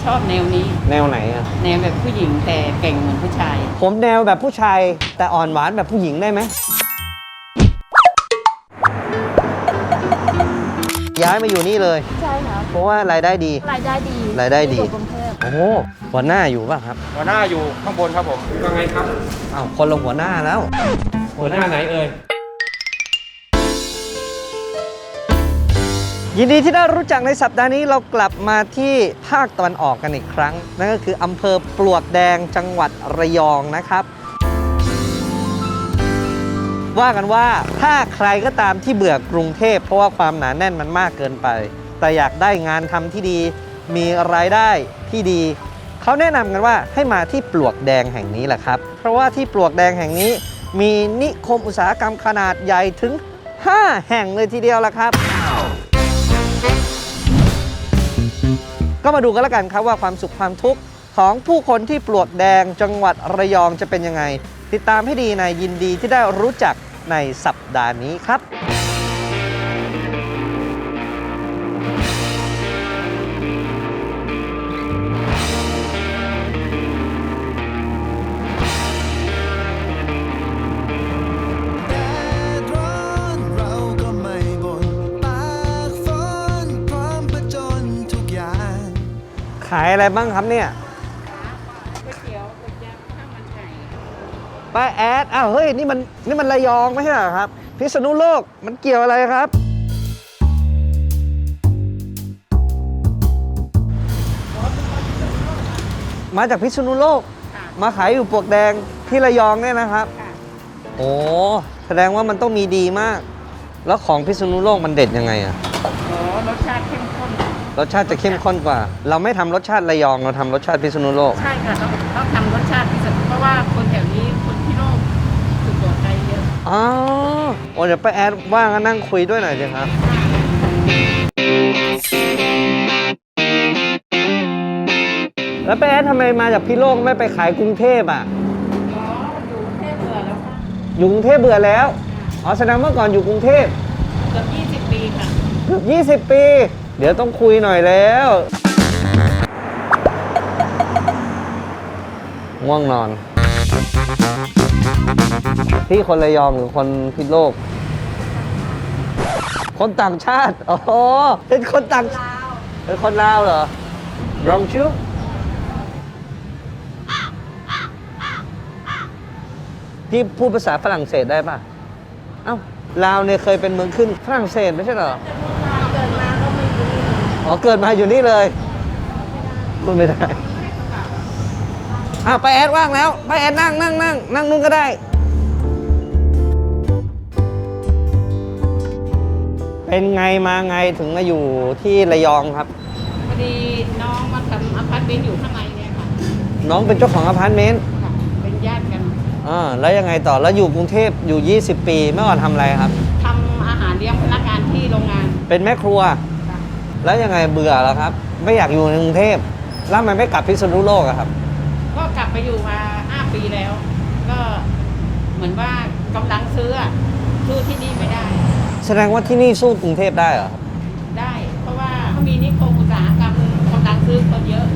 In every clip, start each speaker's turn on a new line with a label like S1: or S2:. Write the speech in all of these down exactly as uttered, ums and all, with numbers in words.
S1: ชอบแนวนี้
S2: แนวไหนอะ
S1: แนวแบบผู้หญิงแต่เก่งเหมือนผู้ชาย
S2: ผมแนวแบบผู้ชายแต่อ่อนหวานแบบผู้หญิงได้ไหมย้ายมาอยู่นี่เลย
S3: ใช่ครับ
S2: เพราะว่ารายได้ดี
S3: รายได้ดี
S2: รายได้ดี
S3: กรุงเทพ
S2: โอ้โหหัวหน้าอยู่ป่ะครับ
S4: หัวหน้าอยู่ข้างบนครับผมว่าไงครับ
S2: อ้าวคนละหัวหน้าแล้ว
S4: หัวหน้าไหนเอ่ย
S2: ยินดีที่ได้รู้จักในสัปดาห์นี้เรากลับมาที่ภาคตะวันออกกันอีกครั้งนั่นก็คืออำเภอปลวกแดงจังหวัดระยองนะครับว่ากันว่าถ้าใครก็ตามที่เบื่อกรุงเทพเพราะว่าความหนาแน่นมันมากเกินไปแต่อยากได้งานทำที่ดีมีรายได้ที่ดีเขาแนะนำกันว่าให้มาที่ปลวกแดงแห่งนี้แหละครับเพราะว่าที่ปลวกแดงแห่งนี้มีนิคมอุตสาหกรรมขนาดใหญ่ถึงห้าแห่งเลยทีเดียวละครับก็มาดูกันแล้วกันครับว่าความสุขความทุกข์ของผู้คนที่ปลวกแดงจังหวัดระยองจะเป็นยังไงติดตามให้ดีในยินดีที่ได้รู้จักในสัปดาห์นี้ครับขายอะไรบ้างครับเนี่ย
S1: ก๋วยเตี๋ยวก๋วยจั๊บข้าวมันไก่
S2: ป้าแอดอ้าวเฮ้ยนี่มันนี่มันระยองไม่ใช่เหรอครับพิษณุโลกมันเกี่ยวอะไรครับมาจากพิษณุโลกมาขายอยู่ปลวกแดงที่ระยองเนี่ยนะครับโอ้แสดงว่ามันต้องมีดีมากแล้วของพิษณุโลกมันเด็ดยังไงอะ
S1: โอ้รสชาติเข้มข้น
S2: รสชาติจะเข้มข้นกว่าเราไม่ทำรสชาติระยองเราทำรสชาติพิษณุโลก
S1: ใช่ค่ะต้องต้องทำรสชาติพิเศษเพราะว่าคนแถวนี้คนที่โลกสุโขทัยเยอะ
S2: อ๋อโอ้เดี๋ยวป้าแอดว่างก็นั่งคุยด้วยหน่อยสิครับแล้วป้าแอดทำไมมาจากพิโลกไม่ไปขายกรุงเทพอ่ะ
S1: อ๋ออยู่กรุงเทพเบื่อแล้วค่ะ
S2: อยู่กรุงเทพเบื่อแล้วอ๋อแสดงเมื่อก่อนอยู่กรุงเทพ
S1: เกือบยี่สิบปีค่ะ
S2: เกือบยี่สิบปีเดี๋ยวต้องคุยหน่อยแล้วง่วงนอนพี่คนระยองหรือคนพิษโลกคนต่างชาติอ๋อเป็นคนต่างชาติเป็นคนลาวเหรอรองชิวพี่พูดภาษาฝรั่งเศสได้ป่ะเอ้าลาวเนี่ยเคยเป็นเมืองขึ้นฝรั่งเศสไม่ใช่เหรอ
S3: เกิดมาก็ไม่รู้
S2: อ๋อเกิดมาอยู่นี่เลยพูดไม่ได้อ้าวไปแอดว่างแล้วไปแอดนั่งนั่งนั่งนั่งนู่นก็ได้เป็นไงมาไงถึงมาอยู่ที่ระยองครับ
S1: พอดีน้องมาทำอพาร์ตเมนต์อยู่ข้างในเนี่ยค่ะ
S2: น้องเป็นเจ้าของอพาร์ตเมนต์
S1: ค่ะเป็นญาติกัน
S2: อ่าแล้วยังไงต่อแล้วอยู่กรุงเทพอยู่ยี่สิบปีเมื่อก่อนทำอะไรครับ
S1: ทำอาหารเลี้ยงพนักงานที่โรงงาน
S2: เป็นแม่ครัวแล้วยังไงเบื่อแล้วครับไม่อยากอยู่ในกรุงเทพแล้วทำไมไม่กลับพิษณุโลกอะครับ
S1: ก็กลับไปอยู่มาห้าปีแล้วก็เหมือนว่ากำลังซื้อสู้ที่นี่ไม่ได้
S2: แสดงว่าที่นี่สู้กรุงเทพได้เหรอครับ
S1: ได้เพราะว่าเขามีนิคมอุตสาหกรรมกำลังซื้อคนเยอะ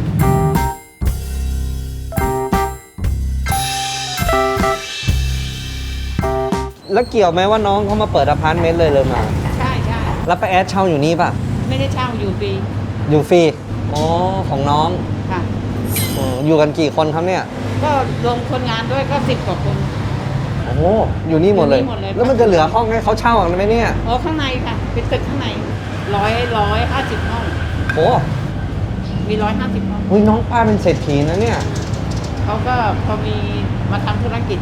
S2: แล้วเกี่ยวไหมว่าน้องเขามาเปิดอพาร์ตเมนต์เลยเลยมา
S1: ใช่ใช่
S2: แล้วไปแอดเช่าอยู่นี่ป่ะ
S1: ไม่ได้เช่าอยู่ฟรี
S2: อยู่ฟรีอ๋อของน้อง
S1: ค่ะ
S2: อยู่กันกี่คนครับเนี่ย
S1: ก็รวมคนงานด้วยก็สิบกว่าคน
S2: โอ้อยู่นี่หมดเลยแล้วมันจะเหลือห้องให้เขาเช่าไหมเนี่ย
S1: โอ้ข้างในค่ะเป็นตึกข้างในร้อยร้อยห้าสิบห้อง
S2: โอ้
S1: มีร้อยห้าสิบห้อง
S2: อุ้ยน้องป้าเป็นเศรษฐีนะเนี่ย
S1: เขาก็พอมีมาทำธุรกิจ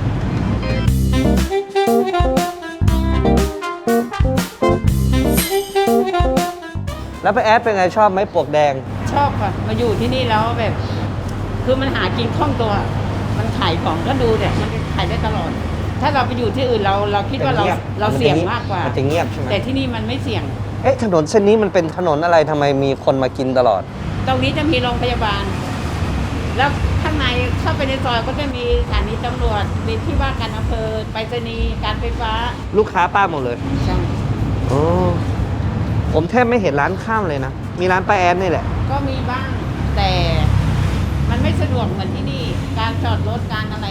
S2: แล้วไปแอดเป็นไงชอบไหมปลวกแดง
S1: ชอบค่ะมาอยู่ที่นี่แล้วแบบคือมันหากินคล่องตัวมันขายของก็ดูเนี่ยมันขายได้ตลอดถ้าเราไปอยู่ที่อื่นเราเราคิดว่าเราเราเสี่ยงมากกว่า
S2: จะเงียบใช่ไหม
S1: แต่ที่นี่มันไม่เสี่ยง
S2: เอ๊ะถนนเส้นนี้มันเป็นถนนอะไรทำไมมีคนมากินตลอด
S1: ตรงนี้จะมีโรงพยาบาลแล้วข้างในเข้าไปในซอยก็จะมีสถานีตำรวจมีที่ว่าการอำเภอไปรษณีย์การไฟฟ้า
S2: ลูกค้าป้าหมดเลย
S1: ใช่
S2: โอ้ผมแทบไม่เห็นร้านข้าวเลยนะมีร้านป้าแอนนี่แหละ
S1: ก็มีบ้างแต่ไม่สะดวกเหมือนที่นี่ การจอดรถการอะไร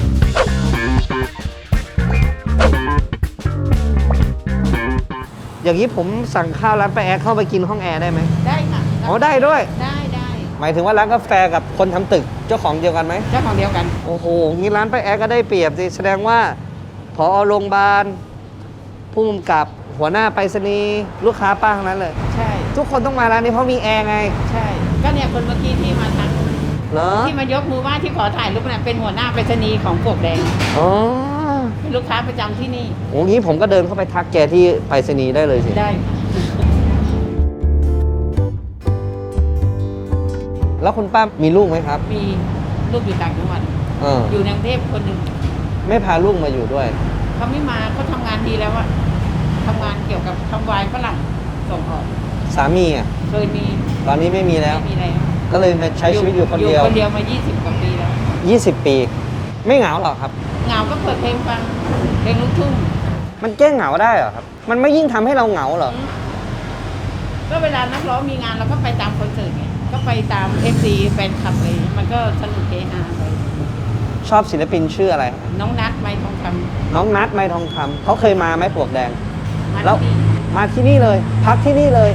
S2: อย่างนี้ผมสั่งข้าวร้านป้าแอดเข้าไปกินห้องแอร์ได้ไหม
S1: ได้ค่ะ
S2: อ๋อได้ด้วย
S1: ได้ได้
S2: หมายถึงว่าร้านกาแฟกับคนทำตึกเจ้าของเดียวกันไหม
S1: เจ้าของเดียวกัน
S2: โอ้โหงี้ร้านป้าแอดก็ได้เปรียบสิแสดงว่าผอโรงพยาบาลผู้กำกับหัวหน้าไปรษณีย์ลูกค้าป้าทั้งนั้นเลย
S1: ใช่
S2: ทุกคนต้องมาร้านนี้เพราะมีแอร์ไง
S1: ใช่ ก็เนี่ยคนเมื่อกี้ที่มาทัก
S2: เหรอ
S1: ที่มายกมือไหว้ที่ขอถ่ายรูปเนี่ยเป็นหัวหน้าไปรษณีย์ของปลวกแดง
S2: อ๋อ
S1: เป็นลูกค้าประจำที่นี่
S2: โอ้งี้ผมก็เดินเข้าไปทักแกที่ไปรษณีย์ได้เลยสิ
S1: ได้
S2: แล้วคุณป้ามีลูกไหมครับ
S1: มีลูกอยู่ต่างจังหวัด
S2: เออ
S1: อยู่ในกรุงเทพคนหนึ่ง
S2: ไม่พาลูกมาอยู่ด้วย
S1: เขาไม่มาเขาทำงานดีแล้วอะทำงานเกี่ยวกับทำวายฝรั่งส่งออก
S2: สามีอ่ะ
S1: เคยมี
S2: ตอนนี้ไม่มีแล้ว
S1: ไม่มีแล้ว
S2: ก็เลยมาใช้ชีวิตอยู่คนเดียว
S1: คนเดียวมา ยี่สิบ กว่าปีแล้ว
S2: ยี่สิบ ปี ไม่เหงาหรอครับ
S1: เหงาก็เปิดเพลงฟังเพลงลูกทุ่ง
S2: มันแก้เหงาได้เหรอครับ มันไม่ยิ่งทำให้เราเหงาเหรอ
S1: ก็เวลานักร้องมีงานเราก็ไปตามคอนเสิร์ตไงก็ไปตามเอฟซีแฟนคลับเลยมันก็สนุกเฮฮาไป
S2: ชอบศิลปินชื่ออะไร
S1: น้องนัดไม้ทองคำ
S2: น้องนัทไม้ทองคำเขาเคยมาไหมปลวกแดง
S1: มา
S2: แล้ว
S1: ที่นี่
S2: มาที่นี่เลย พักที่นี่เลย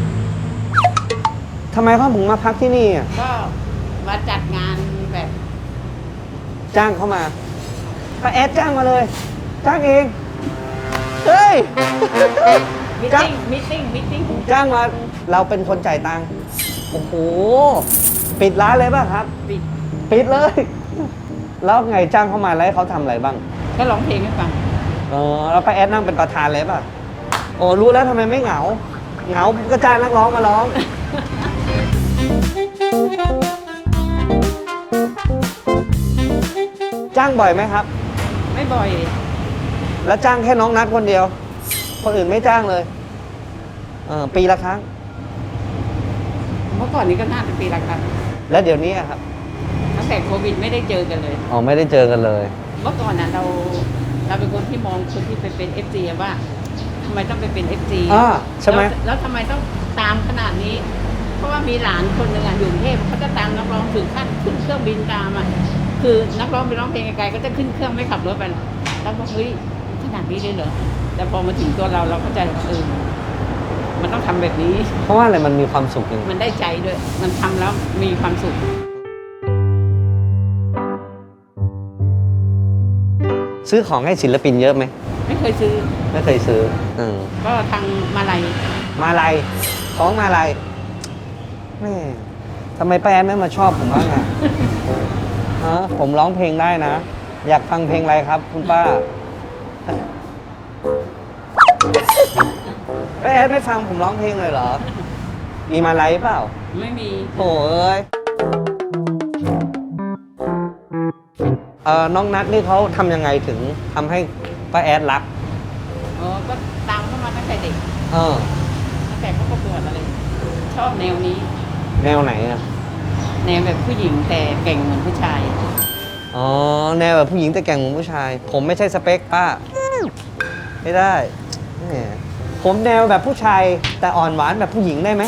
S2: ทำไมเขาถึงมาพักที่นี่อ่ะ
S1: ก็มาจัดงานแบบ
S2: จ้างเขามาป้าแอดจ้างมาเลย จ้างเองเฮ้ย
S1: มิท
S2: จ้าง
S1: ติ้งมิทติ้งมิทติ้ง
S2: จ้างมาเราเป็นคนจ่ายตังค์โอ้โหปิดร้านเลยป่ะครับ
S1: ปิด
S2: ปิดเลย แล้วไงจ้างเขามาแล้วให้เขาทำอะไรบ้าง
S1: ก็ร้องเพลงให้ฟัง
S2: เออแล้วป้าแอดนั่งเป็นประธานเลยป่ะโอ้รู้แล้วทำไมไม่เหงา เหงาก็จ้างนักร้องมาร้อง จ้างบ่อยไหมครับ
S1: ไม่บ่อย
S2: แล้วจ้างแค่น้องนัดคนเดียว คนอื่นไม่จ้างเลยเออปีละครั้ง
S1: เมื่อก่อนนี้ก็น่าจะปีละครั้ง
S2: แล้วเดี๋ยวนี้อะครับ
S1: ตั้งแต่โควิดไม่ได้เจอกันเลย
S2: อ๋อไม่ได้เจอกันเลย
S1: เมื่อก่อนน่ะเราเราเป็นคนที่มองคนที่ไปเป็น เอฟ ซี ว่าทำไมต้องไปเป็น เอฟ ซี
S2: อ่าใช่ไหม
S1: แล้วแล้วทำไมต้องตามขนาดนี้ เพราะว่ามีหลานคนหนึ่งอ่ะอยู่กรุงเทพเขาจะตามนักร้องถึงขั้นขึ้นเครื่องบินตามอ่ะคือนักร้องไปร้องเพลงไกลๆก็จะขึ้นเครื่องไม่ขับรถไปหรอกแล้วบอกเฮ้ยขนาดนี้เลยเหรอแต่พอมาถึงตัวเราเราเข้าใจว่าเออมันต้องทำแบบนี้
S2: เพราะว่าอะไรมันมีความสุขยังไง
S1: มันได้ใจด้วย มันทำแล้วมีความสุข
S2: ซื้อของให้ศิลปินเยอะไหม
S1: ไม่เคยซื้อ
S2: ไม่เคยซื้ออม
S1: ก็ทางมาลัย
S2: มาลัยของมาลัยแม่ทำไมป้าแอนไม่มาชอบผมบ้างอะ ฮะผมร้องเพลงได้นะ อยากฟังเพลงอะไรครับ คุณป้า ป้าแอนไม่ฟังผมร้องเพลงเลยเหรอ มีมาลัยเปล่า
S1: ไม่มี
S2: โอ้เอ้ยเอ่อน้องนัทนี่เขาทำยังไงถึงทำให้ป้าแอดรัก
S1: อ๋อ ก็ตามเข้ามาตั้งแต่เด็ก
S2: เออ
S1: ตั้งแต่เขาประกวดอะไร ชอบแนวนี้
S2: แนวไหนอ่ะ
S1: แนวแบบผู้หญิงแต่เก่งเหมือนผู้ชาย
S2: อ๋อ แนวแบบผู้หญิงแต่แกร่งเหมือนผู้ชาย ผมไม่ใช่สเปคป้า ไม่ได้แหมผมแนวแบบผู้ชายแต่อ่อนหวานแบบผู้หญิงได้ไหม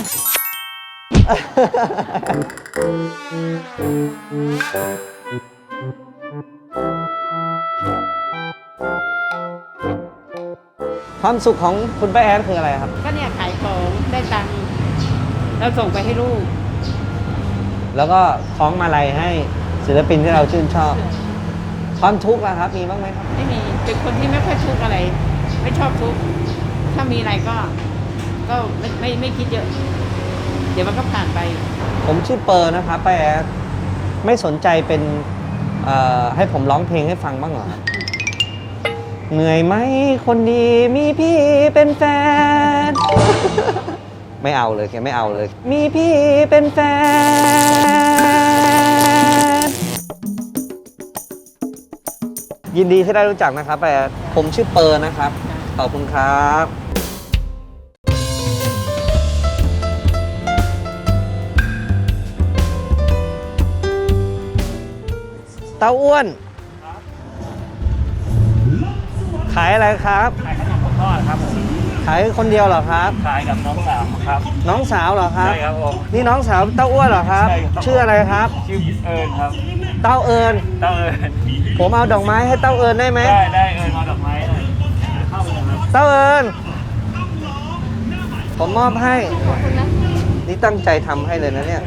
S2: ความสุขของคุณป้าแอนคืออะไรครับ
S1: ก็เนี่ยขายของได้ตังค์แล้วส่งไปให้ลูก
S2: แล้วก็คล้องมาลัยให้ศิลปินที่เราชื่นชอบ ความทุกข์ล่ะครับ มีบ้างไหมครับ
S1: ไม่มี เป็นคนที่ไม่ค่อยทุกข์อะไร ไม่ชอบทุกข์ถ้ามีอะไรก็ ก็ไม่ไม่ไม่คิดเยอะ เดี๋ยวมันก็ผ่านไป
S2: ผมชื่อเปอร์นะครับป้าแอดไม่สนใจเป็นเอ่อให้ผมร้องเพลงให้ฟังบ้างเหรอครับเหนื่อยไหมคนดีมีพี่เป็นแฟน ไม่เอาเลยแกไม่เอาเลย มีพี่เป็นแฟน ยินดีที่ได้รู้จักนะครับป้าแอดผมชื่อเปอร์นะครับขอบคุณครับ เต้าอ้วน ขายอะไรครับ
S4: ขายขนมทอดครับผม
S2: ขขายคนเดียวเหรอครับ
S5: ขายกับน้องสาวครับ
S2: น้องสาวเหรอครับ
S5: ใช่ครับผม
S2: นี่น้องสาวเต้าอ้วนเหรอครับ
S5: ใช่ครับ
S2: ชื่ออะไรครับ
S5: ชื่อเอิญครับ
S2: เต้าเอิญ
S5: เต้าเอิญ
S2: ผมเอาดอกไม้ให้เต้าเอิญได้ไหม
S5: ได้ได้เอิญมาดอกไม้หน่อยเข้าเลยครับ
S2: เต้าเอิญผมมอบให้ นี่ตั้งใจทำให้เลยนะเนี่ย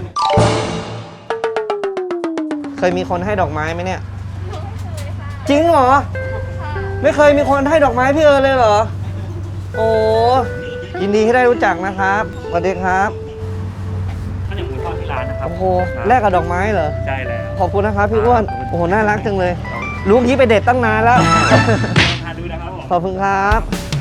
S2: เคยมีคนให้ดอกไม้ไหมเนี่ย จริงเหรอ ไม่เคยมีคนให้ดอกไม้พี่เอิญเลยเหรอ โอ้ยินดีที่ได้รู้จักนะครับสวัสดีครับ
S5: ข้าวเหนียวหมูทอดที่ร้านนะครับ
S2: โอ้โหแลกกับดอกไม้เหรอ
S5: ใช่แล้ว
S2: ขอบคุณนะครับพี่อ้วน โอ้โห น่ารักจังเลย ลูกนี้ไปเด็ดตั้งนานแล้ว
S5: ทานดูนะครับผม
S2: ขอบคุณครับ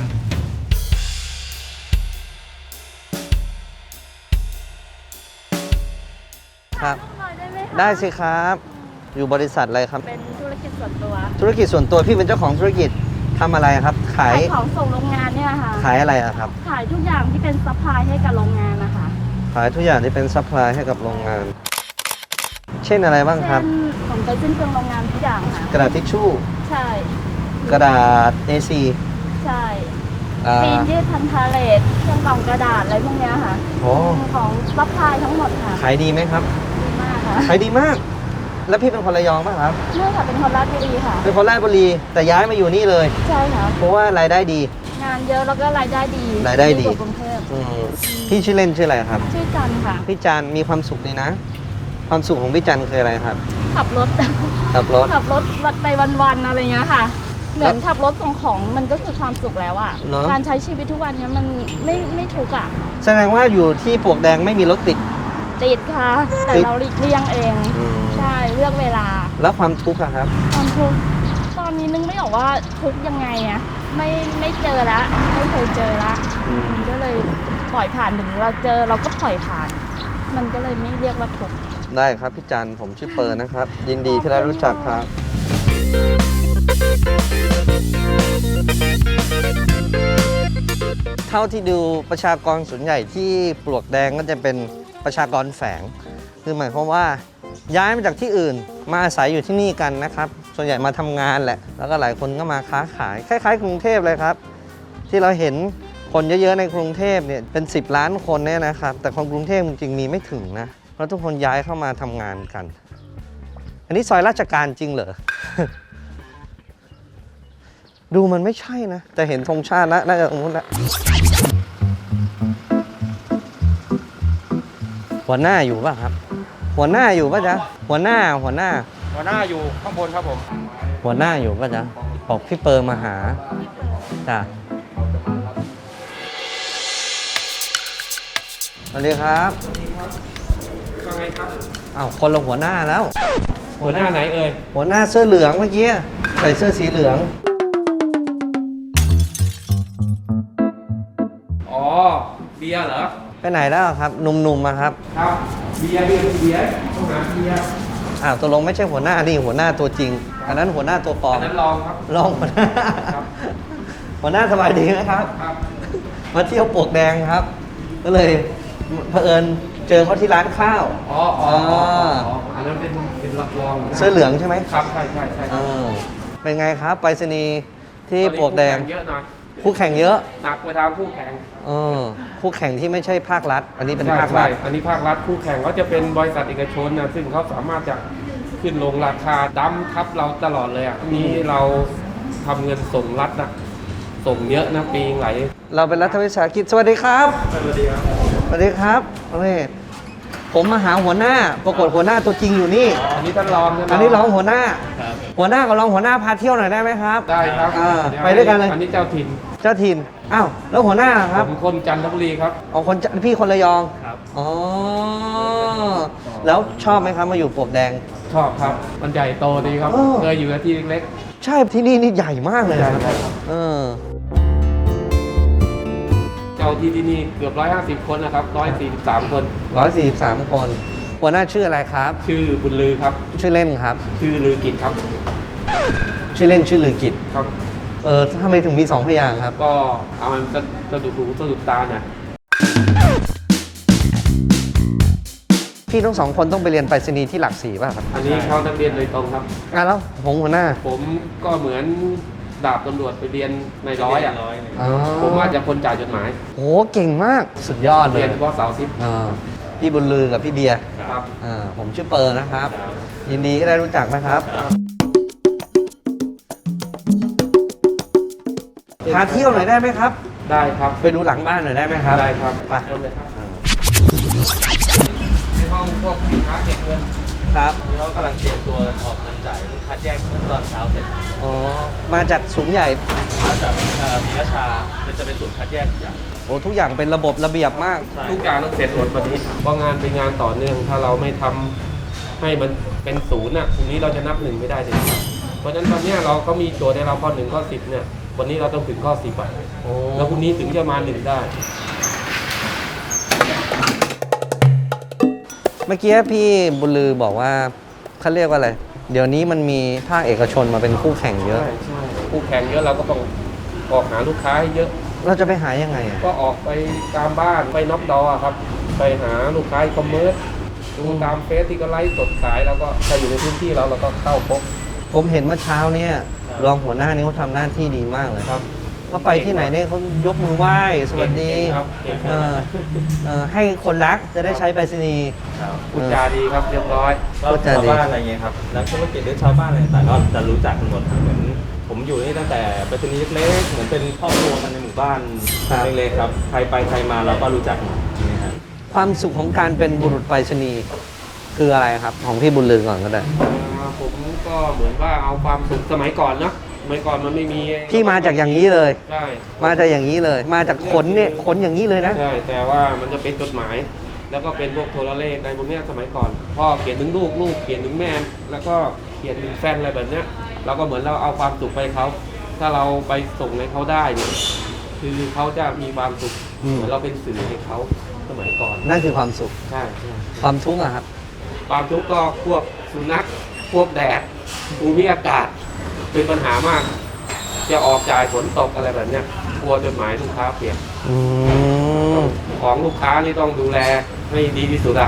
S2: ครับ
S3: หน่อยได้ไหมคะ
S2: ได้สิครับ อยู่บริษัทอะไรครับ
S3: เป็นธุรกิจส่วนตัว
S2: ธุรกิจส่วนตัวพี่เป็นเจ้าของธุรกิจทำอะไรครับ ขาย
S3: ขายของส่งโรงงานเนี่ยค่ะ
S2: ขายอะไรอะครับ
S3: ขายทุกอย่างที่เป็นซัพพลายให้กับโรงงานนะคะ
S2: ขายทุกอย่างที่เป็นซัพพลายให้กับโรงงาน เช่นอะไรบ้างครับ
S3: เช่นของไปสิ้นเปลืองโรงงานทุกอย่างค่ะ
S2: กระดาษทิชชู่
S3: ใช่
S2: กระดาษ เอ ซี
S3: ใช่
S2: อ่า
S3: ปีนยืดพันธาเลทเครื่องกล่องกระดาษอะไรพวกเนี้ยค่ะ
S2: โอ้
S3: ของซัพพลายทั้งหมดค่ะ
S2: ขายดีไหมครับ
S3: ดีมากค่ะ
S2: ขายดีมาก แล้วพี่เป็นคนระยองป่ะครับ
S3: เนื่องจากเป็นคนราชบุรีค่ะ
S2: เป็นคนราชบุรี แต่ย้ายมาอยู่นี่เลย
S3: ใช่ค่ะ
S2: เพราะว่ารายได้ดี
S3: งานเยอะแล้วก็รายได้ดี
S2: รายได้ดี
S3: กว่ากรุงเทพ
S2: อืมพี่ชื่อเล่นชื่ออะไรครับ
S3: ชื่อจันค่ะ
S2: พี่จันมีความสุขดีนะ ความสุขของพี่จันคืออะไรครับ
S3: ขับรถ
S2: ขับรถ
S3: ขับรถไปวันๆอะไรเงี้ยค่ะ เหมือนขับรถส่งของมันก็คือความสุขแล้วอะ
S2: เนอะ
S3: การใช้ชีวิตทุกวันเนี้ยมันไม่ไม่ทุกข์อะ
S2: แสดงว่าอยู่ที่ปลวกแดงไม่มีรถติด
S3: ติดค่ะ แต่
S2: ติด
S3: เราหลีกเลี่ยงเอง
S2: อืม
S3: ใช่เลือกเวลา
S2: แล้วความทุกข์อะครับ
S3: ความทุกข์ตอนนี้นึกไม่ออกว่าทุกข์ยังไงอะไม่ไม่เจอละไม่เคยเจอละ
S2: อืม
S3: ก็เลยปล่อยผ่านถึงเราเจอเราก็ปล่อยผ่าน มันก็เลยไม่เรียกว่าทุกข์
S2: ได้ครับพี่จันผมชื่อเปิร์นะครับ ยินดีที่ได้รู้จักครับ เท่าที่ดูประชากรส่วนใหญ่ที่ปลวกแดงก็จะเป็นประชากรแฝง คือหมายความว่าย้ายมาจากที่อื่น มาอาศัยอยู่ที่นี่กันนะครับ ส่วนใหญ่มาทำงานแหละ แล้วก็หลายคนก็มาค้าขาย คล้ายๆ กรุงเทพเลยครับ ที่เราเห็นคนเยอะๆในกรุงเทพเนี่ยเป็นสิบล้านคนเนี่ยนะครับ แต่คนกรุงเทพจริงๆมีไม่ถึงนะ เพราะทุกคนย้ายเข้ามาทำงานกัน อันนี้ซอยราชการจริงเหรอ ดูมันไม่ใช่นะ แต่เห็นธงชาติแล้วน่าจะตรงนู้นแล้วหัวหน้าอยู่ป่ะครับ หัวหน้าอยู่ป่ะจ๊ะ หัวหน้า หัวหน้า
S4: หัวหน้าอยู่ข้างบนครับผม
S2: หัวหน้าอยู่ป่ะจ๊ะบอกพี่เปิร์มาหาจ้ะสวัสดีครับ
S4: ว่าไงครับ
S2: อ้าวคนละหัวหน้าแล้ว
S4: หัวหน้าไหนเอ่ย
S2: หัวหน้าเสื้อเหลืองเมื่อกี้ใส่เสื้อสีเหลือง
S4: อ๋อ เบียร์เหรอ
S2: ไปไหนแล้วครับหนุ่มๆมาครับ
S4: ครับ เบียร์เบียร์เบียร์ต้องหาเบียร์
S2: อ้าวตกลงไม่ใช่หัวหน้านี่หัวหน้าตัวจริง อันนั้นหัวหน้าตัวปลอ
S4: อั
S2: ม
S4: นนั้นลองครับ
S2: ลองหัวหน้า
S4: ครับ
S2: หัวหน้าสบายดีนะครับ
S4: ครับ
S2: มาเที่ยวปลวกแดงครับ ก็เลยเผอิญเจอเขาที่ร้านข้าว
S4: อ๋ออ๋ออ๋ออ๋ออันนั้นเป็นเป็นรับรองนะ
S2: เสื้อเหลืองใช่ไหม
S4: ครับ ใช่ใช่ใช่
S2: เออเป็นไงครับไปรษณีย์ที่ปลวกแดง
S4: ตอนนี้คู่ข่เยอะหน่อย
S2: คู่แข่งเยอะ
S4: หนักไปทางคู่แข่ง
S2: เออคู่แข่งที่ไม่ใช่ภาครัฐ อันนี้เป็น
S4: ใช่
S2: ภาครั
S4: ใช่
S2: ฐ
S4: อันนี้ภาครัฐคู่แข่งเขาจะเป็นบริษัทเอกชนนะซึ่งเขาสามารถจะขึ้นลงราคาดั้มทับเราตลอดเลยอ่ะนี้เราทำเงินส่งรัฐนะส่งเยอะนะปีไหล
S2: เราเป็นรัฐวิสาหกิจสวัสดีครับ
S4: สวัสดีครับ
S2: สวัสดีครับโอเคผมมาหาหัวหน้า ปรากฏหัวหน้าตัวจริงอยู่นี่
S4: อันนี้ท่านรองใช่ไหม
S2: อันนี้รองหัวหน้า หัวหน้ากับรองหัวหน้าพาเที่ยวหน่อยได้ไหมครับ
S4: ได้ครับ
S2: อ่า
S4: เ
S2: ไปด้วยกันเลย
S4: อันนี้เจ้าถิ่น
S2: เจ้าถิ่น อ้าว แล้วหัวหน้าล่ะครับ
S4: ผมคนจันทบุรีครับ
S2: อ๋อคนจะพี่คนระยอง
S4: ครับ
S2: อ๋อ แล้วชอบไหมครับมาอยู่ปลวกแดง
S4: ชอบครับ มันใหญ่โตดีครับ
S2: เออ
S4: เคยอยู่ที่เล็ก
S2: ใช่ที่นี่นี่ใหญ่มากเลยนะครับ
S4: ใหญ่ครับ
S2: เออ
S4: ๆเจ้าที่ที่นี่เกือบร้อยห้าสิบคนนะครับร้อยสี่สิบสามคน
S2: ร้อยสี่สิบสามคน หัวหน้าชื่ออะไรครับ
S4: ชื่อบุญลือครับ
S2: ชื่อเล่นครับ
S4: ชื่อลือกิจครับ
S2: ชื่อเล่นชื่อลือกิจ
S4: ครับ
S2: เออทำไมถึงมีสองพยางค์ครับ
S4: ก็เอามันจะสะดุดหูสะดุดตาเนี่ย
S2: พี่ทั้งสองคนต้องไปเรียนไปรษณีย์ที่หลักสี่ป่ะครับ
S4: อันนี้เขานักเรียนโดยตรงครับ
S2: อ่ะแล้วผมหัวหน้า
S4: ผมก็เหมือนดาบตำรวจไปเรียนในร้อยอ่ะ
S2: อ๋อ
S4: ผมว่าจะคนจ่ายจดหมาย
S2: โหเก่งมากสุดยอดเล
S4: เรี
S2: ย
S4: ยนเฉพาะเสาร์อาทิตย์
S2: อ่าพี่บุญลือกับพี่เบียร์
S4: ครับ
S2: อ่าผมชื่อเปิร์นะครับ ยินดีก็ได้รู้จักนะครับพาเที่ยวหน่อยได้ไหมครับ
S4: ได้ครับ
S2: ไปดูหลังบ้านหน่อยได้ไหมครับ
S4: ได้ครับ
S2: ไป
S4: เริ่มเลยครับในห้องพวกสินค้าเก็บเงิน
S2: ครับ
S4: นี่เขากำลังเตรียมตัวออกเงินจ่ายลูกค้าแยกเมื่อตอนเช้าเสร็จ
S2: อ๋อมาจากสูงใหญ่
S4: มาจากมีราชามันจะเป็นศูนย์คัดแยกอย่าง
S2: โอ้ทุกอย่างเป็นระบบระเบียบมาก
S4: ทุกอย่างต้องเสร็จหมดวันนี้เพราะงานเป็นงานต่อเนื่อง ถ้าเราไม่ทำให้มันเป็นศูนย์อ่ะทีนี้เราจะนับหนึ่งไม่ได้เลยเพราะฉะนั้นวันนี้เราก็มีโจทย์ให้เราข้อหนึ่งข้อสิบเนี่ยวันนี้เราต้องถึงข้อสิบอ่ะ
S2: โอ้
S4: แล้วพรุ่งนี้ถึงจะมาหนึ่งได้
S2: เมื่อกี้พี่บุญลือบอกว่าเขาเรียกว่าอะไร เดี๋ยวนี้มันมีภาคเอกชนมาเป็นคู่แข่งเยอะ
S4: ใช่ใช่คู่แข่งเยอะเราก็ต้องออกหาลูกค้าให้เยอะ
S2: เราจะไปหายังไงอ่ะ
S4: ก็ออกไปตามบ้านไปน็อกดอร์ครับ ไปหาลูกค้าอีคอมเมิร์ซดูตามเฟซที่ก็ไลฟ์สดขายแล้วก็ถ้าอยู่ในพื้นที่เราเราก็เข้าพบ
S2: ผมเห็นเมื่อเช้าเนี่ยรองหัวหน้านี่เขาทำหน้าที่ดีมากเลย
S4: ครับ
S2: เขาไปที่ไหนเนี่ยเขายกมือไหว้สวัสดี
S4: เก่งครับเก่งค
S2: เอ
S4: รับ
S2: อเออให้คนรักจะได้ใช้ไปรษณีย์
S4: พูดจาดีครับเรียบร้อย
S2: ก็จะ
S6: ชาว
S2: ดี
S6: บ้านอะไรเงี้ยครับนักธุรกิจหรือชาวบ้านอะไรต่างๆก็จะรู้จักกันหมดครับเหมือนผมอยู่นี่ตั้งแต่ไปรษณีย์เล็กๆเหมือนเป็นครอบครัวกันในหมู่บ้านเล็กๆครับใครไปใครมาเราก็รู้จักหมดนี่ครับ
S2: ความสุขของการเป็นบุรุษไปรษณีย์คืออะไรครับ ของพี่บุญลือก่อนก็ได้
S4: อ่าผมก็เหมือนว่าเอาความสุขสมัยก่อนเนาะสมัยก่อนมันไม่มี
S2: พี่มาจากอย่างนี้เลย
S4: ใช่
S2: มาจากอย่างนี้เลย มาจากขนเนี่ยขนอย่างนี้เลยนะ
S4: ใช่แต่ว่ามันจะเป็นจดหมาย แล้วก็เป็นพวกโทรเลขในพวกเนี้ยสมัยก่อนพ่อเขียนถึงลูกลูกเขียนถึงแม่แล้วก็เขียนถึงแฟนอะไรแบบเนี้ยเราก็เหมือนเราเอาความสุขไปเขาถ้าเราไปส่งให้เขาได้เนี่ยคือเขาจะมีความสุข
S2: อืม
S4: เหมือนเราเป็นสื่อให้เขาสมัยก่อน
S2: นั่นคือความสุข
S4: ใช่ใช่
S2: ความทุกข์อะครับ
S4: ความทุกข์ก็พวกสุนัขพวกแดดภูมิอากาศเป็นปัญหามาก จะออกจ่ายฝนตกอะไรแบบเนี้ยกลัวจดหมายลูกค้าเปลี่ยน
S2: อืม
S4: ของลูกค้านี่ต้องดูแลให้ดีที่สุดอะ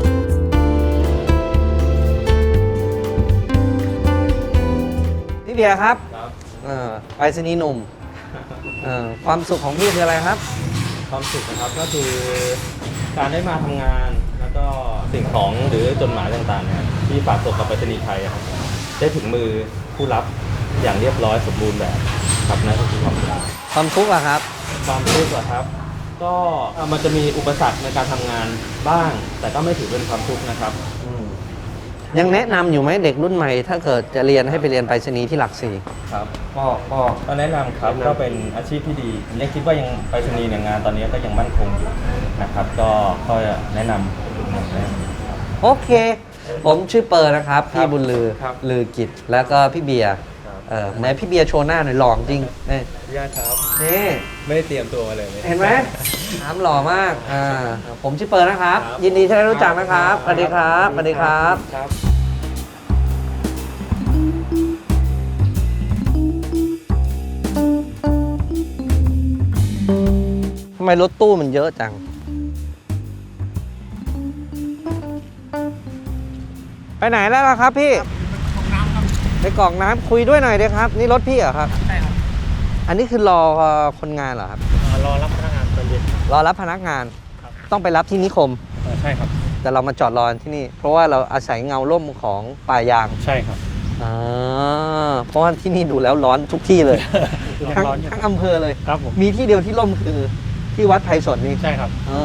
S2: พี่เบียร์ครับ
S6: ครับ
S2: เออไปรษณีย์หนุ่มเออความสุขของพี่คืออะไรครับ
S6: ความสุขนะครับก็คือการได้มาทำงานแล้วก็สิ่งของหรือจดหมายต่างๆเนี่ยที่ฝากส่งกับไปรษณีย์ไทยอะครับได้ถึงมือผู้รับอย่างเรียบร้อยสมบูรณ์แบบครับนั่นก็คือความสุข
S2: ความทุกข์อะครับ
S6: ความทุกข์อะครับ ก็เอ่อมันจะมีอุปสรรคในการทำงานบ้าง แต่ก็ไม่ถือเป็นความทุกข์นะครับ
S2: ยังแนะนำอยู่ไหมเด็กรุ่นใหม่ ถ้าเกิดจะเรียนให้ไปเรียนไปรษณีย์ที่หลักสี่
S6: ครับ
S4: ก็ก็
S6: ก็แนะนำครับ
S4: แนะนำ
S6: ก็เป็นอาชีพที่ดียังคิดว่ายังไปรษณีย์เนี่ยงานตอนนี้ก็ยังมั่นคงอยู่นะครับ ก็ก็แนะนำ
S2: โอเค ผมชื่อเปิร์นะครับ พี่บุญลือ
S4: ครับ
S2: ลือกิจ แล้วก็พี่เบียร์
S6: ครับ
S2: เออไหนพี่เบียร์โชว์หน้าหน่อยหล่อจริงนี่
S6: ญาติครับ
S2: นี่
S6: ไม่ได้เตรียมตัวมาเลย
S2: เห็นไหมน้ำหล่อมากอ่าผมชื่อเปิร์นะครับ
S6: ครับ
S2: ยินดีที่ได้รู้จักนะครับสวัสดีครับสวัสดีครับ
S4: ครับ
S2: ทำไมรถตู้มันเยอะจัง ไปไหนแล้วล่ะครับพี่ไปกรอกน้ำคุยด้วยหน่อยเดียครับ นี่รถพี่เหรอครับ
S5: ใช่ครับ
S2: อันนี้คือรอคนงานเหรอครับ
S5: รอรับพนักงานตอนเย็น
S2: รอรับพนักงาน
S5: ครับ
S2: ต้องไปรับที่นิคม
S5: ใช่ครับ
S2: แต่เรามาจอดรอที่นี่ เพราะว่าเราอาศัยเงาร่มของป่ายาง
S5: ใช่ครับ
S2: อ่าเพราะว่าที่นี่ดูแล้วร้อนทุกที่เลย ทั้ง
S5: ร้อนอยู่
S2: ทั้งอำเภอเลย
S5: ครับผม
S2: มีที่เดียวที่ร่มคือที่วัดไผ่สนนี่
S5: ใช่ครับ
S2: อ๋อ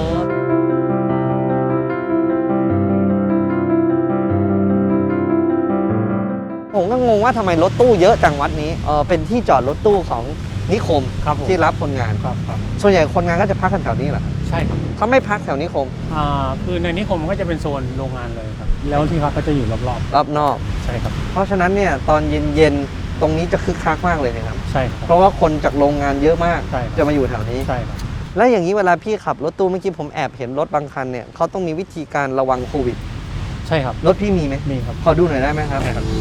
S2: ผมก็งงว่าทำไมรถตู้เยอะจังวัดนี้เออเป็นที่จอดรถตู้ของนิคม
S5: ครับผม
S2: ที่รับคนงาน
S5: ครับครับ
S2: ส่วนใหญ่คนงานก็จะพักกันแถวนี้แหละ
S5: ใช่ครับ
S2: เขาไม่พักแถวนิคม
S5: อ่าคือในนิคมก็จะเป็นโซนโรงงานเลยครับ แล้วที่พักก็จะอยู่รอบ
S2: รอบนอก
S5: ๆ ใช่ครับ
S2: เพราะฉะนั้นเนี่ยตอนเย็นๆ ตรงนี้จะคึกคักมากเลยนะครับ
S5: ใช่ครับ
S2: เพราะว่าคนจากโรงงานเยอะมาก
S5: ใช่ครับ
S2: จะมาอยู่แถวนี้
S5: ใช่ครับ
S2: แล้วอย่างนี้เวลาพี่ขับรถตู้เมื่อกี้ผมแอบเห็นรถบางคันเนี่ยเขาต้องมีวิธีการระวังโควิด
S5: ใช่ครับ
S2: รถพี่มีไหม
S5: มีครับ
S2: ขอดูหน่อยได้ไหมครับ
S5: ใช่ครับ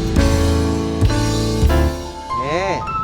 S2: นี่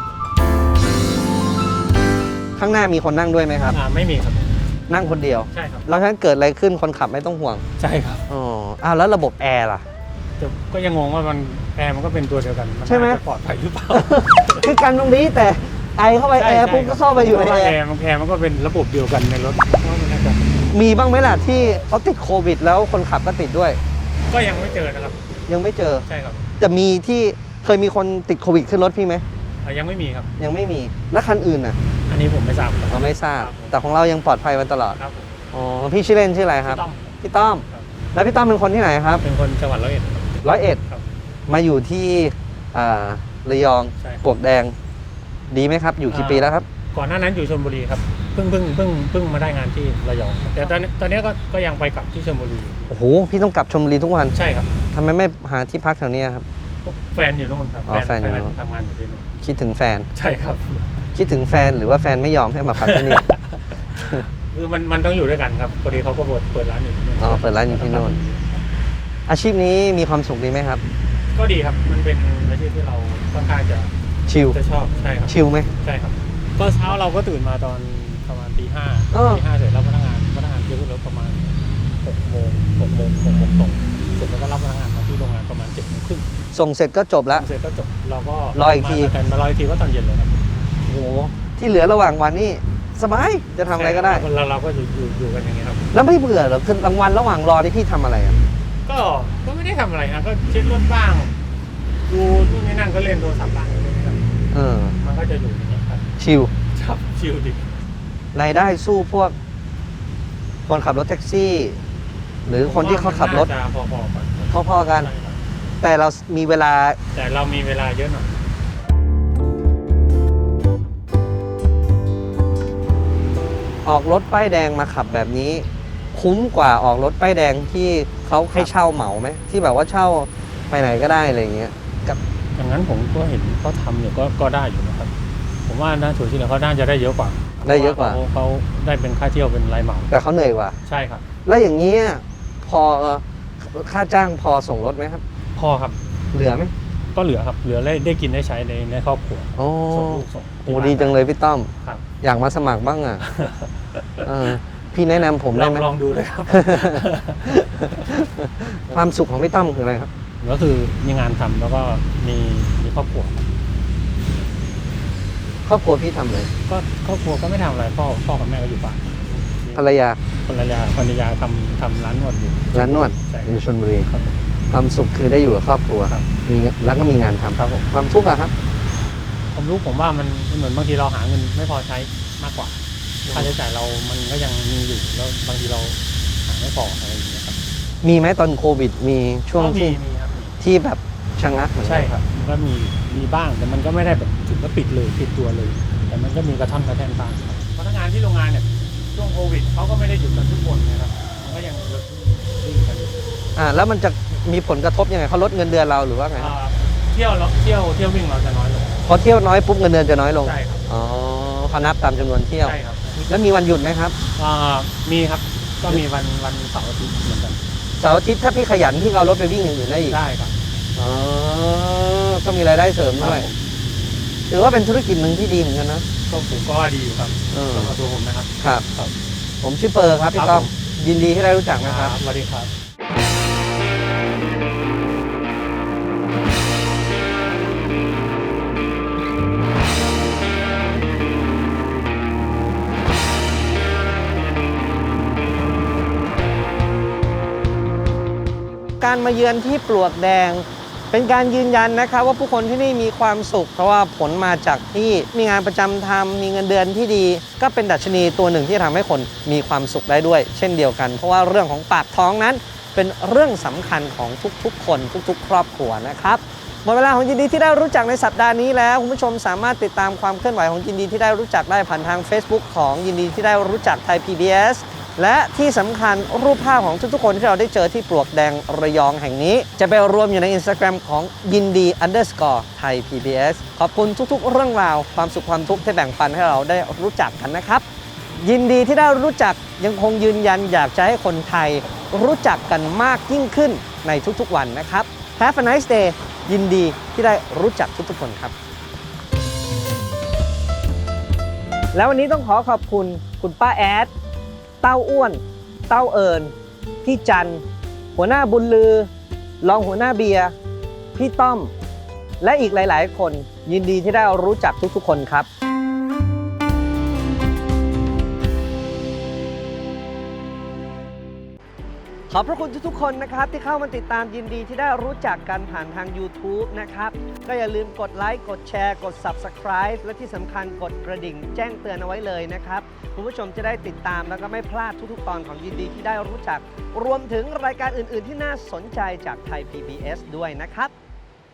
S2: ข้างหน้ามีคนนั่งด้วยไหมครับ
S5: อ่าไม่มีครับ
S2: นั่งคนเดียว
S5: ใช่ครับ
S2: แล้วถ้าเกิดอะไรขึ้นคนขับไม่ต้องห่วง
S5: ใช่ครับ
S2: อ๋ออ้าวแล้วระบบแอร์ล่ะ
S5: แต่ก็ยังงงว่ามันแอร์มันก็เป็นตัวเดียวกัน น
S2: ใช่ไหม
S5: น่าจะปลอดภัยหรือเปล่า
S2: คือกันตรงนี้แต่ไอเข้าไปแอร์ปุ๊บก็เข้าไปอยู่ใน
S5: เพราะว่า
S2: แอ
S5: แอ
S2: ร์
S5: ร์มันแอร์มันก็เป็นระบบเดียวกันในรถเพราะมันน่าจะ
S2: มีบ้างไหมล่ะที่เขาติดโควิดแล้วคนขับก็ติดด้วย
S5: ก็ยังไม่เจอนะครับ
S2: ยังไม่เจอ
S5: ใช่ครับ
S2: จะมีที่เคยมีคนติดโควิดขึ้นรถพี่ไหม
S5: อ่ะยังไม่มีครับ
S2: ยังไม่มีแล้วคันอื่นน่ะ
S5: อันนี้ผมไม่ทราบครับ
S2: เราไม่ทราบ แต่ของเรายังปลอดภัยมาตลอด
S5: ครับ
S2: อ๋อพี่ชื่อเล่นชื่ออะไรครับ
S5: พี่ต้อม
S2: พี่ต้อม
S5: ครับ
S2: แล้วพี่ต้อมเป็นคนที่ไหนครับ
S5: เป็นคนจังหวัดร้อยเอ็ดครับ
S2: ร้อยเอ็ด
S5: ครับ
S2: มาอยู่ที่อ่าระยอง
S5: ใช่ครับ
S2: ปลวกแดง ดีไหมครับ อยู่กี่ปีแล้วครับ
S5: ก่อนหน้านั้นอยู่ชลบุรีครับเพิ่งเพิ่งเพิ่งเพิ่งมาได้งานที่ระยองครับแต่ตอนนี้ตอนนี้ก็ก็ยังไปกลับที่ชลบุรีอยู่
S2: โอ้โหพี่ต้องกลับชลบุรีทุกวัน
S5: ใช่ครับ
S2: ทำไมไม่หาที่พักแถวเนี้ยครับ
S5: แฟนอยู่นู่นครับ
S2: อ๋อแฟนอยู่นู่น
S5: ทำงานอยู่ที่นู่น
S2: คิดถึงแฟน
S5: ใช่ครับ
S2: คิดถึงแฟนหรือว่าแฟนไม่ยอมให้มาพักที่นี่
S5: คือมันมันต้องอยู่ด้วยกันครับพอดีเขาก็เปิดเปิดร้านอยู่ที่นู่น
S2: อ๋อเปิดร้านอยู่ที่นู่น อาชีพนี้มีความสุขดีไหมครับ
S5: ก็ดีครับมันเป็นอาชีพที่เราค่อนข้างจะ
S2: ชิล
S5: จะชอบใช่ครับ
S2: ชิลไหม
S5: ใช่ครับก็เช้าเราก็ตื่นมาตอนประมาณตีห้า
S2: เออ
S5: ตีห้าเสร็จรับพนักงานพนักงานเยอะขึ้นรถประมาณหกโมงหกโมงหกโมงตรงเสร็จแล้วก็รับพนักงานมาที่โรงงานประมาณเจ็ดโมงครึ่ง
S2: ส่งเสร็จก็จบแล้ว
S5: เสร็จก็จบเราก็
S2: รออีกที
S5: มากันมารออีกทีก็ตอนเย็นเลยครับ
S2: โอ้โหที่เหลือระหว่างวันนี่สบายจะทำอะไรก็ได้
S5: เราเราก็อยู่อยู่อยู่กันอย่างเงี้ยครับ
S2: แล้วไม่เบื่อเหรอคือกลางวันระหว่างรอที่พี่ทำอะไรอ่ะ
S5: ก็ก็ไม่ได้ทำอะไรนะก็เช็ดรถบ้างดูนู่นนี่นั่นก็เล่นโทรศัพท์บ้างอะไรอย่างเงี้ยครับ
S2: เออ
S5: มันก็จะอยู่อย่างเงี้ยครับ
S2: ชิล
S5: ครับชิลดิ
S2: รายได้สู้พวก คนขับรถแท็กซี่ หรือคนที่เขาขับรถ
S5: น่าจะพอๆกัน
S2: พอๆกัน
S5: ใช่ครับ
S2: แต่เรามีเวลา
S5: แต่เรามีเวลาเยอะหน่อย
S2: ออกรถป้ายแดงมาขับแบบนี้ คุ้มกว่าออกรถป้ายแดงที่เขาให้เช่าเหมาไหมที่แบบว่าเช่าไปไหนก็ได้อะไรอย่างเงี้ยกับ
S5: อย่างนั้นผมก็เห็นเขาทำอยู่ก็ก็ได้อยู่นะครับ ผมว่าน่าถูกที่แล้วเขาน่าจะได้เยอะกว่า
S2: ได้เยอะกว่า
S5: พรเขาเขาได้เป็นค่าเที่ยวเป็นรายเหมา
S2: แต่เขาเหนื่อยกว่า
S5: ใช่ครับ
S2: แล้วอย่างเงี้ยพอค่าจ้างพอส่งรถไหมครับ
S5: พอครับ
S2: เหลือไหม
S5: ก็เหลือครับเหลือได้ได้กินได้ใช้ในในครอบครัว
S2: โอ้
S5: ส่งลูกส่ง
S2: โหดีจังเลยพี่ต้อม
S5: ครับ
S2: อยากมาสมัครบ้างอ่ะ เออพี่แนะนำผม
S5: ล
S2: ได้
S5: อง
S2: ไหม
S5: ลองดูเลยครับ
S2: ความสุขของพี่ต้อมคืออะไรครับ
S5: ก็คือมีงานทำแล้วก็มีมีครอบครัว
S2: ครอบครัวพี่ทำเลย
S5: ก็ครอบครัวก็ไม่ทำอะไรพ่อพ่อกับแม่ก็อยู่บ้าน
S2: ภรรยา
S5: ภรรยาภรรยาทำทำร้านนวดอยู่
S2: ร้านนวด
S5: ใช่
S2: อยู่ชลบุรี
S5: ครับ
S2: ความสุขคือได้อยู่กับครอบครัว
S5: ครับ
S2: มีแล้วก็มีงานทำ
S5: ครับผม
S2: ความทุกข์อะครับ
S5: ผมรู้ผมว่ามันเหมือนบางทีเราหาเงินไม่พอใช้มากกว่าค่าใช้จ่ายเรามันก็ยังมีอยู่แล้วบางทีเราหาไม่พออะไรอย่างเงี้ยครับ
S2: มีไหมตอนโควิด มีช่วง
S5: ก็มี
S2: ที่
S5: มีครับมี
S2: ที่แบบชะงักเหมือนกัน
S5: ใช่ครับมันก็มีมีบ้างแต่มันก็ไม่ได้แบบถึงกับปิดเลยปิดตัวเลย แต่มันก็มีกระท่อนกระแท่นบ้างครับพนักงานที่โรงงานเนี่ยช่วงโควิดเขาก็ไม่ได้หยุดกันทุกคนนะครับมันก็ยังวิ่งกันอยู่
S2: อ่าแล้วมันจะมีผลกระทบยังไงเขาลดเงินเดือนเราหรือว่าไง
S5: อ่าเที่ยวเราเที่ยวเที่ยววิ่งเราจะน้อยลง
S2: พอเที่ยวน้อยปุ๊บเงินเดือนจะน้อยลง
S5: ใช่ครับ
S2: อ๋อเขานับตามจำนวนเที่ยว
S5: ใช่ครับ
S2: แล้วมีวันหยุดไหมครับ
S5: อ่ามีครับก็มีวันวันเสาร์อาทิตย์เหมือนกัน
S2: เสาร์อาทิตย์ถ้าพี่ขยันพี่ก็เอารถไปวิ่งอย่างอื่นได้อีก
S5: ได้ครับ
S2: อ๋อก็มีรายได้เสริมด้วยถือว่าเป็นธุรกิจหนึ่งที่ดีเหมือนกันนะ
S5: ก็ผมก็ดีอยู่ครับ
S2: เออ
S5: สำหรับตัวผมนะครับ
S2: ครับ
S5: ครับ
S2: ผมชื่อเปอร์ครับพี่
S5: ครับ
S2: ต้อม
S5: ผม
S2: ยินดีที่ได้รู้จักนะครับ
S5: สวัสดีครับ
S2: การมาเยือนที่ปลวกแดง เป็นการยืนยันนะครับว่าผู้คนที่นี่มีความสุข เพราะว่าผลมาจากที่มีงานประจำทำมีเงินเดือนที่ดี ก็เป็นดัชนีตัวหนึ่งที่ทำให้คนมีความสุขได้ด้วย เช่นเดียวกัน เพราะว่าเรื่องของปากท้องนั้นเป็นเรื่องสำคัญของทุกๆ คนทุกๆ ครอบครัวนะครับหมดเวลาของยินดีที่ได้รู้จักในสัปดาห์นี้แล้วคุณผู้ชมสามารถติดตามความเคลื่อนไหวของยินดีที่ได้รู้จักได้ผ่านทาง Facebook ของยินดีที่ได้รู้จักไทย พี บี เอส และที่สำคัญรูปภาพของทุกๆคนที่เราได้เจอที่ปลวกแดงระยองแห่งนี้ จะไปรวมอยู่ใน Instagram ของยินดี underscore ไทย พี บี เอส ขอบคุณทุกๆเรื่องราวความสุขความทุกข์ที่แบ่งปันให้เราได้รู้จักกันนะครับ ยินดีที่ได้รู้จักยังคงยืนยันอยากจะให้คนไทยรู้จักกันมากยิ่งขึ้นในทุกๆวันนะครับ Have a nice day ยินดีที่ได้รู้จักทุกๆคนครับ แล้ววันนี้ต้องขอขอบคุณคุณป้าแอดเต้าอ้วน เต้าเอิญพี่จันหัวหน้าบุญลือรองหัวหน้าเบียร์พี่ต้อม และอีกหลายๆ คนยินดีที่ได้รู้จักทุกๆคนครับขอบพระคุณทุกๆคนนะครับที่เข้ามาติดตามยินดีที่ได้รู้จักกันผ่านทาง YouTube นะครับก็อย่าลืมกดไลค์กดแชร์กด Subscribe และที่สำคัญกดกระดิ่งแจ้งเตือนเอาไว้เลยนะครับคุณผู้ชมจะได้ติดตามแล้วก็ไม่พลาดทุกๆตอนของยินดีที่ได้รู้จักรวมถึงรายการอื่นๆที่น่าสนใจจากไทย พี บี เอส ด้วยนะครับ